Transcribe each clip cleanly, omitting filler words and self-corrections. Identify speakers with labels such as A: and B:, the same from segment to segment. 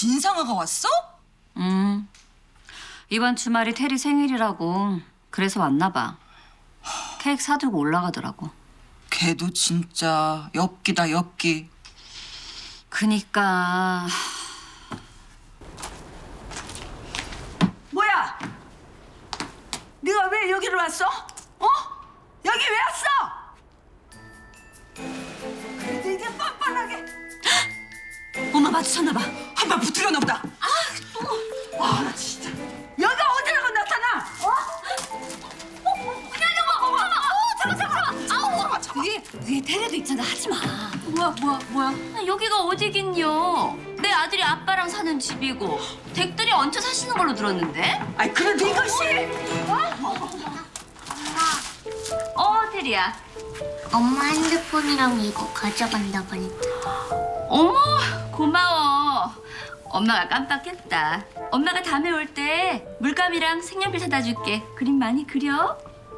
A: 진상아가 왔어?
B: 이번 주말이 테리 생일이라고 그래서 왔나 봐. 케이크 사들고 올라가더라고.
A: 걔도 진짜 엽기다 엽기.
B: 그니까
C: 뭐야? 네가 왜 여기로 왔어? 어? 여기 왜 왔어? 그래도 이게 뻔뻔하게
B: 엄마 마주쳤나 봐.
A: 한 발 붙으려나 보다.
C: 아 진짜 여기가 어디라고 나타나? 어?
B: 위에 테레도 있잖아. 하지 마. 뭐야? 여기가 어디긴요? 내 아들이 아빠랑 사는 집이고 댁들이 얹혀 사시는 걸로 들었는데.
C: 아이 그래도 이것이
B: 테리야.
D: 엄마 핸드폰이랑 이거 가져간다 보니까.
B: 어머, 고마워. 엄마가 깜빡했다. 엄마가 다음에 올 때 물감이랑 색연필 사다 줄게. 그림 많이 그려.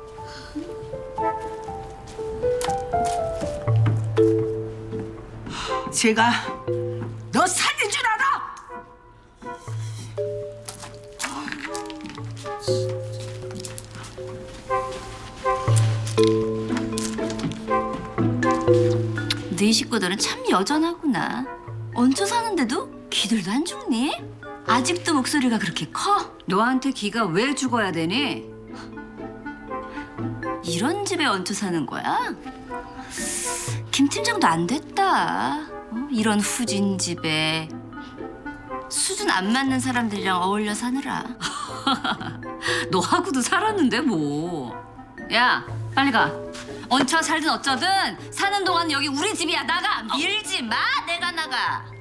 C: 제가 너 살린 줄 알아?
B: 네 식구들은 참 여전하구나. 얹혀 사는데도 기들도 안 죽니? 아직도 목소리가 그렇게 커? 너한테 기가 왜 죽어야 되니? 이런 집에 얹혀 사는 거야? 김 팀장도 안 됐다. 이런 후진 집에 수준 안 맞는 사람들이랑 어울려 사느라. 너하고도 살았는데 뭐. 야, 빨리 가. 얹혀 살든 어쩌든 사는 동안 여기 우리 집이야. 나가. 밀지 마. 내가 나가.